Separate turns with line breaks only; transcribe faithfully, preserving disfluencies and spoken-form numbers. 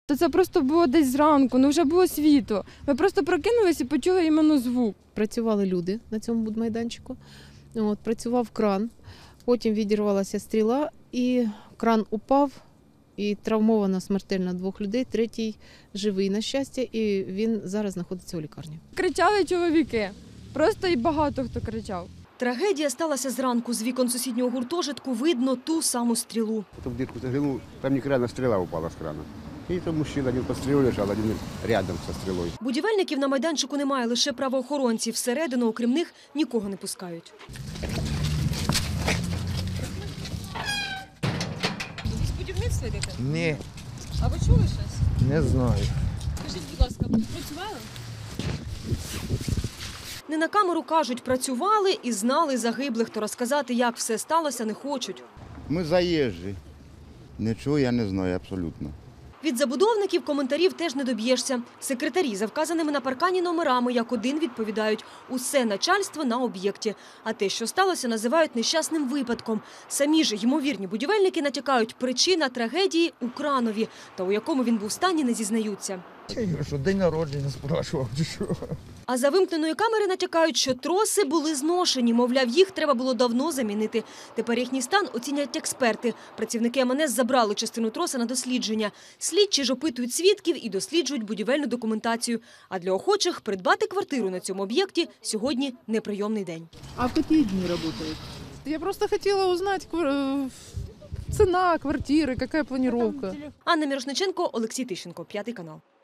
То це просто було десь зранку, ну вже було світло. Ми просто прокинулися і почули іменно звук.
Працювали люди на цьому будмайданчику, от, працював кран, потім відірвалася стріла і кран упав, і травмовано смертельно двох людей, третій живий, на щастя, і він зараз знаходиться у лікарні.
Кричали чоловіки, просто і багато хто кричав.
Трагедія сталася зранку. З вікон сусіднього гуртожитку видно ту саму стрілу.
В дырку заглянул, там некрана стрела упала с крана. И там мужчина один под стрелой лежал, один рядом со стрелой.
Будівельників на майданчику немає, лише правоохоронці. Всередину, окрім них, нікого не пускають.
Ви з будівництва йдете?
Ні,
А ви чули щось?
не знаю.
Скажіть, будь ласка, ви тут працювали?
Не на камеру кажуть, працювали і знали загиблих, то розказати, як все сталося, не хочуть.
Ми заїжджі. Нічого я не знаю абсолютно.
Від забудовників коментарів теж не доб'єшся. Секретарі за вказаними на паркані номерами як один відповідають – усе начальство на об'єкті. А те, що сталося, називають нещасним випадком. Самі ж ймовірні будівельники натякають – причина трагедії у кранові. Та у якому він був стані, не зізнаються.
Я говорю, що день народження спрашував, чи що.
А за вимкненої камери натякають, що троси були зношені. Мовляв, їх треба було давно замінити. Тепер їхній стан оцінять експерти. Працівники ем ен ес забрали частину троса на дослідження. Слідчі ж опитують свідків і досліджують будівельну документацію. А для охочих придбати квартиру на цьому об'єкті сьогодні неприйомний день.
А в какие дни работают? Я просто хотела узнать квар- цена квартиры, какая планировка.
Анна Мірошниченко, Олексій Тищенко, П'ятий канал.